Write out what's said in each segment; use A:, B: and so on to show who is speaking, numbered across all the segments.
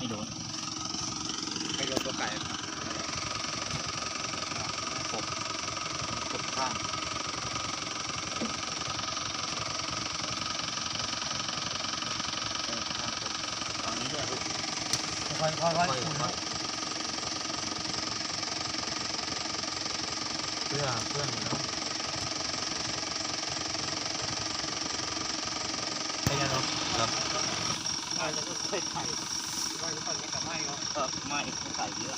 A: ไม่โดนตัวไก่กดข้างตอนนี้ด้วยค่อยเพื่อนเนาะไม่งั้นเนาะครับไม่แล้วก็ใส่ไข่ไม่แล้วก็ไม่กับไม่เนาะไม่ใส่เยอะ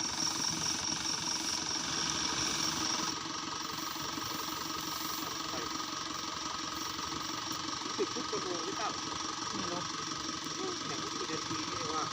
A: 10 ชั่วโมงหรือเปล่าไม่รู้แต่ก็กี่นาทีนี่ว่า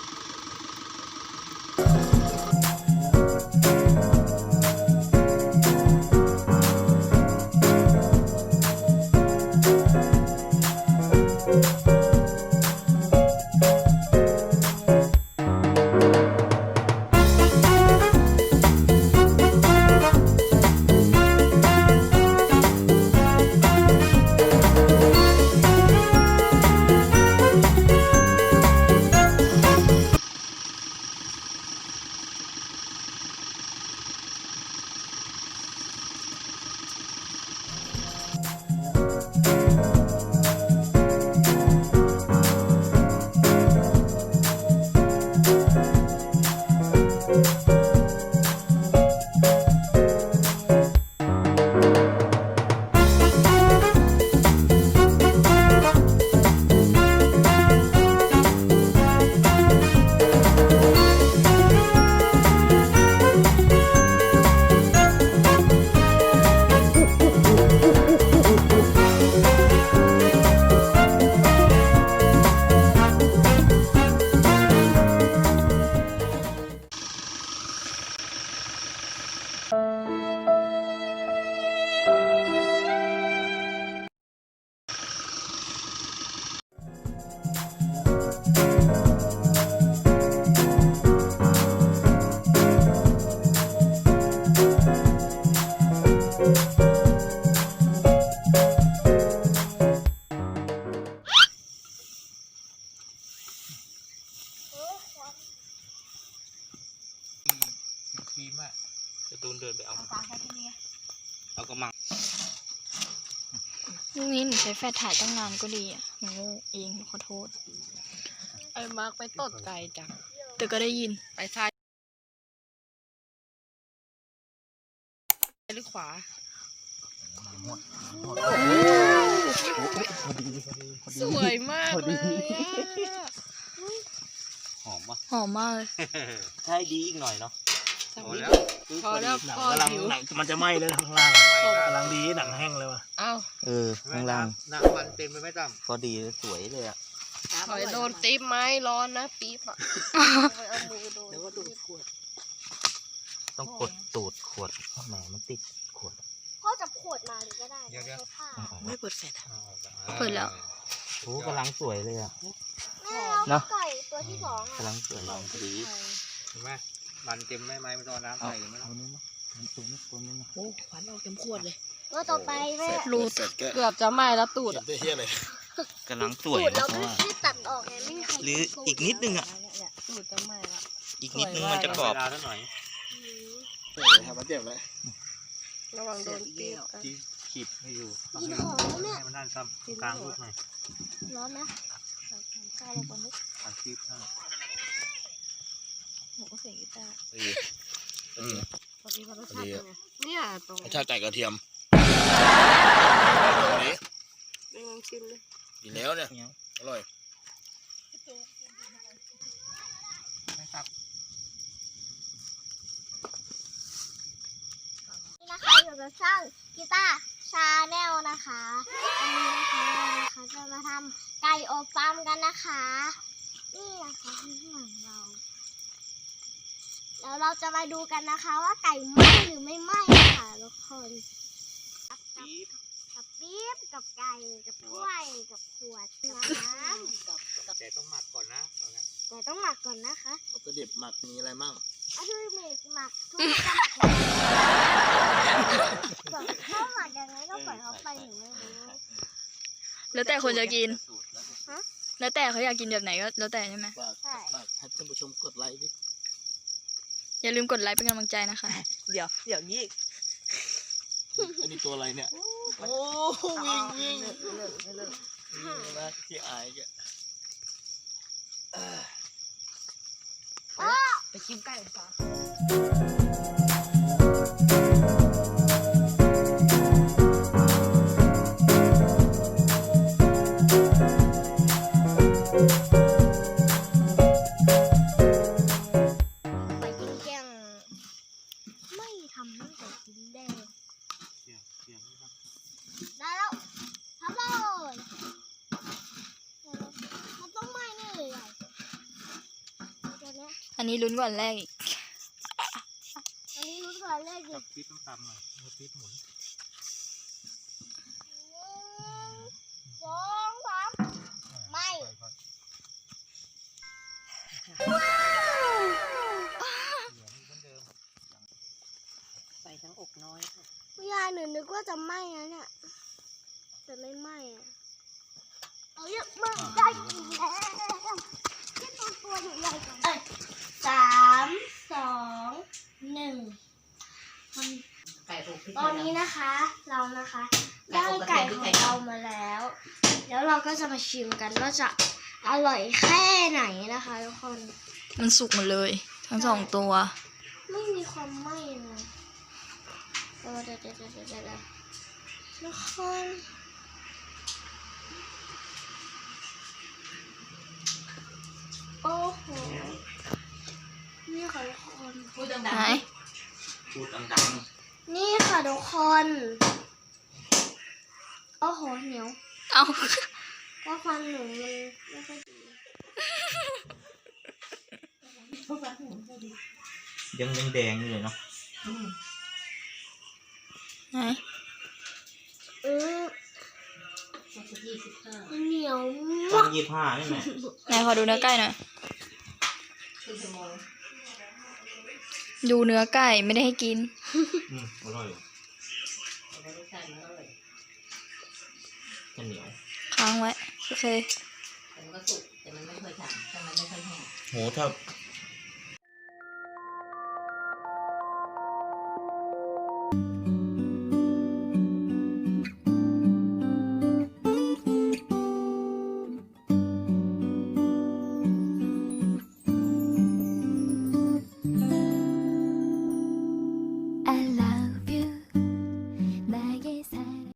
A: ทีมอะจะตูนเดินไปเอากระมัง
B: ลูกนี้หนูใช้แฟลชถ่ายตั้งนานก็ดีอ่ะหนูเองขอโทษ
C: ไอ้มาร์กไปตดไก่จัง
B: แต่ก็ได้ยิน
C: ไปซ้ายหรือขวาสวยมากเลย
A: หอมปะ
B: หอมมากเลย
A: ใช่ดีอีกหน่อยเนาะ
C: พอแล้วพอผิว
D: มันจะไหม้เลยข้างล่างกำลังดีหนังแห้งเลยว่ะ
A: ข้างล่าง
D: หนังมันเต็มไปไม่ต่ำ
A: พอดีสวยเลยอ่ะ
C: ถอยโดนตีไม้ร้อนนะปี๊บอ่ะเอามือโดน
D: แล้วก็ดูดขวด
A: ต้องกดตูดขวดแหมมันติดขวด
E: พ่อจับขวดมาเลยก็ได้ใช้ผ้า
C: ไม่เปิดแฟลช
B: เปิดแล้ว
A: โอ้กำลังสวยเลยอ่ะ
E: เนาะไก่ตัวที่2
A: กำลังสวยดี
D: เห็นไหมมันเต็มไม่ไม่ต้องน้ำใส่ไหม
A: เอานี้มั้งตัวนี้นะ
C: โอ้ขวัญออกเต็มขวดเลย
E: ตัวต่อไปแม่
C: รูดเกือบจะไหม้แล้วตูด
D: เฮี้ยเลย
A: กำลังสวย
E: เราไม่ได้ตัดออกไงไม่มีใคร
A: หรืออีกนิดนึงอ่ะ
C: ตูดจะไหม้ละ
A: อีกนิดนึงมันจะกรอบ
D: หน่อยทำมาเจ็บเลย
C: ระวังโดนปี๊บ
D: ขีดให้อยู่
E: กินหอมเนี่ย
D: มันนั่นซ้ำกลางลูกหน่อย
E: ร้อนนะข้าวลงบนลูก
D: ขาดชีพ
C: หนูก็เสียงกีตาร์พอดีรสชาติเนี่ยตรง
D: รสชาติไก่กระเทียมนี้
C: เป็นไงชิมเลย
D: กินแล้วเนี่ยอร่อย
E: นี่นะคะอยู่กับช่างกีตาร์ชาแนลนะคะวันนี้นะคะจะมาทำไก่อบฟาร์มกันนะคะนี่นะคะที่ข้างหลังเราแล้วเราจะมาดูกันนะคะว่าไก่ไหม้หรือไม่ไหม้ค่ะทุกคนกับปี๊บกับไก่กับถ้วยกับขวดน้ำ
D: แต่ต้องหมักก่อนนะ
E: แต่ต้องหมักก่อนนะคะ
D: วัตถุดิบหมักมีอะไรมั่ง
E: วัตถุดิบหมักทุกอย่างถ้าหมักยังไงก็ปล่อยเขาไปหนูไม่รู้
B: แล้วแต่คนจะกินแล้วแต่เขาอยากกินแบบไหนก็แล้วแต่ใช่ไหม
E: ใช่
D: ให้
C: ท่านผู้ชมกดไลค์ดิ
B: อย่าลืมกดไลค์เป็นกำลังใจนะคะ
A: เดี๋ยวนี้
C: อันนี้ตัวอะไรเนี่ยโอ้วิ่งวิ่งไม่เลิกนะที่อายแกไปกินไก่ฟ้า
E: ไปกินแกงไม่ทำตั้งแต่กินแดงได้แล้วทำเลยมันต้องไหม้แน่เลยอ่ะตัวเนี้ย
B: อันนี้ลุ้นก่อนแรกอีก
E: อันนี้รู้ก่อนแรกดิ
D: จับปี๊บต้องตำหน่อยมือปี๊บหมุน
E: 1 2 3ไม่
A: ใส่ทั้งอกน้อย
E: ยายหนูนึกว่าจะไหม้นะเนี่ยแต่ไม่ไหม้อ่ะเอาเยอะมากได้กินแล้วที่ตัวใหญ่กว่า3 2 1
A: ไก่อกพริก
E: ตอนนี้นะคะเรานะคะได้ไก่ของเรามาแล้ว แล้วเราก็จะมาชิมกันว่าจะอร่อยแค่ไหนนะคะทุกคน
B: มันสุกหมดเลย ทั้งสองตัว
E: ไม่มีความไหม้เลยเดี๋ยวทุกคนโอ้โหนี่ค่ะทุกคน
A: พูดดัง
B: ไหน
A: ๆพูดดัง
E: นี่ค่ะทุกคนโอ้โหเหนียว
B: เอา
E: ก็ควันหนูมันไม่ค่อยดี
A: ๆยังแดงอยู่เลยเนาะ
B: ไหน
E: เหนียว
A: ตอ
E: มาน ก
A: 25นี่แหละ
B: ไหนขอดูเนื้อไก่หน่อย ดูเนื้อไก่ไม่ได้ให้กิน
A: อร่อยจะเหนียว
B: ค้างไว้ โอเค
A: โหถ้า